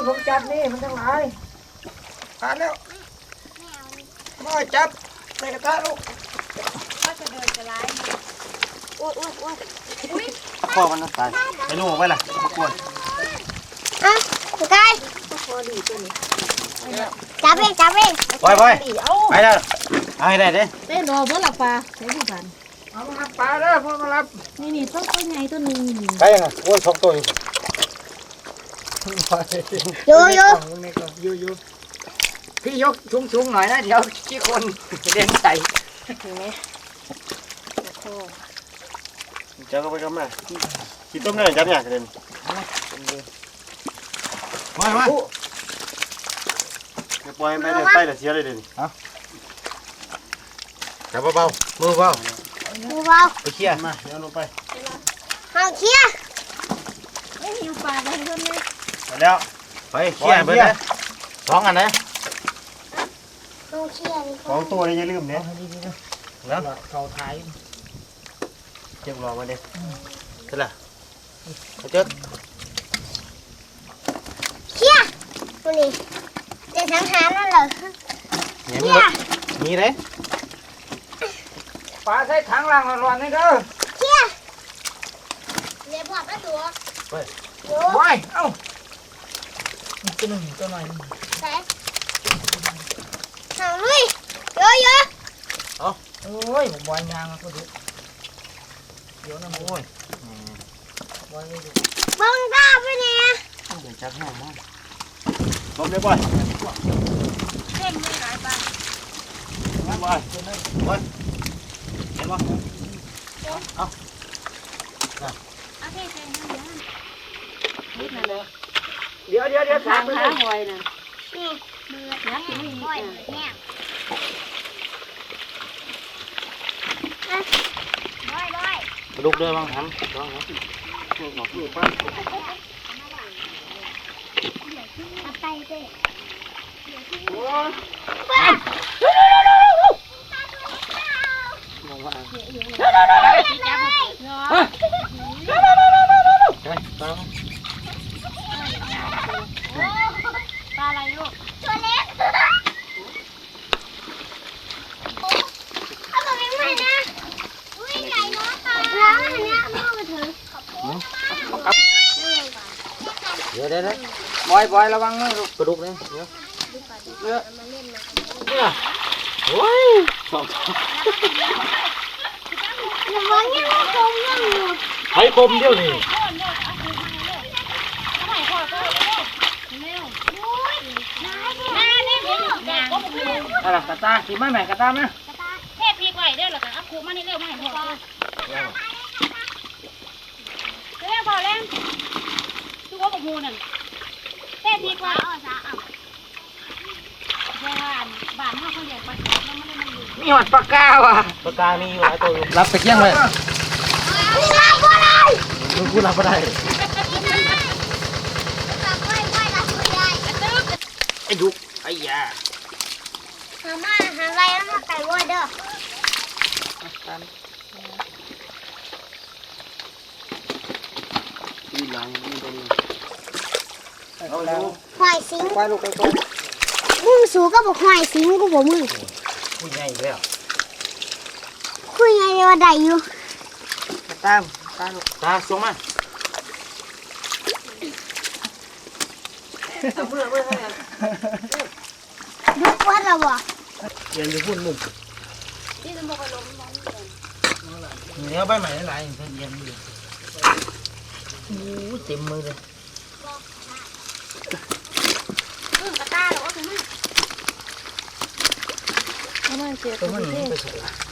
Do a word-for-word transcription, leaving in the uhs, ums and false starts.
ผมจับนี่มันทั้งหลายขาดแล้วมาจับใส่กระทะลูกก็จะเดินจะไล่อ้วนอ้วนอ้วนพ่อมันตายไปลูกไปล่ะทุกคนอ่ะสุดท้ายจับเองจับเองไปไปไปแล้วเอาให้ได้เด้เต้นรอเพื่อหลับปลาใช้ผู้พันเอามารับปลาเด้อพ่อมารับนี่นี่ต้นต้นใหญ่ต้นหนึ่งไปยังไงโอ้ยสองตัวอยู่อยู่อยู่อยู่อยู่พี่ยกชุ้งๆหน่อยนะเดี๋ยวขี้คนเด่นใส่เห็นไหมโอ้เจ้าก็ไปกันมาขี้ต้มได้จับอย่างเด่นมามาปล่อยไปเลยไปเลยเสียเลยเด่นฮะจับเบาๆมือเบามือเบาไปเขี่ยมาเดี๋ยวลงไปเอาเขี่ยไม่หิวปลาเลยต้นนี้ไปแล้วไปเขี่ยไปเลยสองอันนะสองตัวเลยอย่าลืมเนี่ยแล้วเขาท้ายเจ็บรอมาเด็กเท่าไหร่เขาเจ็บเขี่ยตัวนี้จะสังหารนั่นเหรอเขี่ยมีเลยปลาใช้ถังล่างร้อนๆนี่เด้อเขี่ยเรียบร้อยแล้วตัวไปไปเอ้าตัวหนึ่งตัวหน่อยใส่หางลุยเยอะเยอะเอาโอ้ยบอยยางก็ดูเดี๋ยวนะโอ้ยบอยบังตาไปเนี่ยเดี๋ยวจับให้มั้งลบเลยบอยเท่งไม่หลายปลาบอยบอยเห็นปะเอาเอาเท่งเท่งนิดนึงเลยเดี๋ยวเดี๋ยวเดี๋ยวทางขาหอยน่ะนี่มือนักนี่หอยเนี่ยบอยบอยกระดูกด้วยบ้างทำลองนะหนอกลูกป้าไปเด้โอ้ยมองว่าปลาอะไรลูกตัวเล็กเอาตัวนี้มานะอุ้ยใหญ่เนาะปลาแล้วอันนี้ไม่เอามาถือเดี๋ยวเดี๋ยวบอยบอยระวังนะลูกกระดูกนี่เดี๋ยวเดี๋ยวโอ้ยสองระวังยังคมยังอยู่ใช้คมเดียวนี่อะไรกระตาขี่ม้าไหนกระตาไหมเทพพีกไว้เด้อหรอคะเอาคูมานี่เร็วมาให้พ่อเร็วพอแล้วทุกคนบอกมูนั่นเทพพีกไว้อ๋อจ้าอ่ะเจ้าบ้านบ้านห้าเขาใหญ่ปากกาแล้วไม่ได้มาอยู่มีหอดปากกาว่ะปากกามีอยู่หลายตัวรับไปเกี้ยงเลยรับก็ได้มึงพูดรับก็ได้ไอ้ดุไอ้ยาหามาหาอะไรแล้วมาไก่วัวเด้อนี่หลังนี่ตรงนี้เอาแล้วควายสิงควายลูกไปก่อนมึงสูก็บอกควายสิงกูบอกมึงคุยใหญ่แล้วคุยไงเดี๋ยวได้อยู่ตามตาลูกตาส่งมาเอาเมื่อเมื่อให้ดูว่าเราบ่เย็นจะพูดนุ่มที่จะบอกว่าล้มล้มเนื้อใบใหม่หลายๆเย็นอยู่โอ้เต็มมือเลยอึ้งกระตาหรอวะคุณแม่ตัวมันไปสุดละ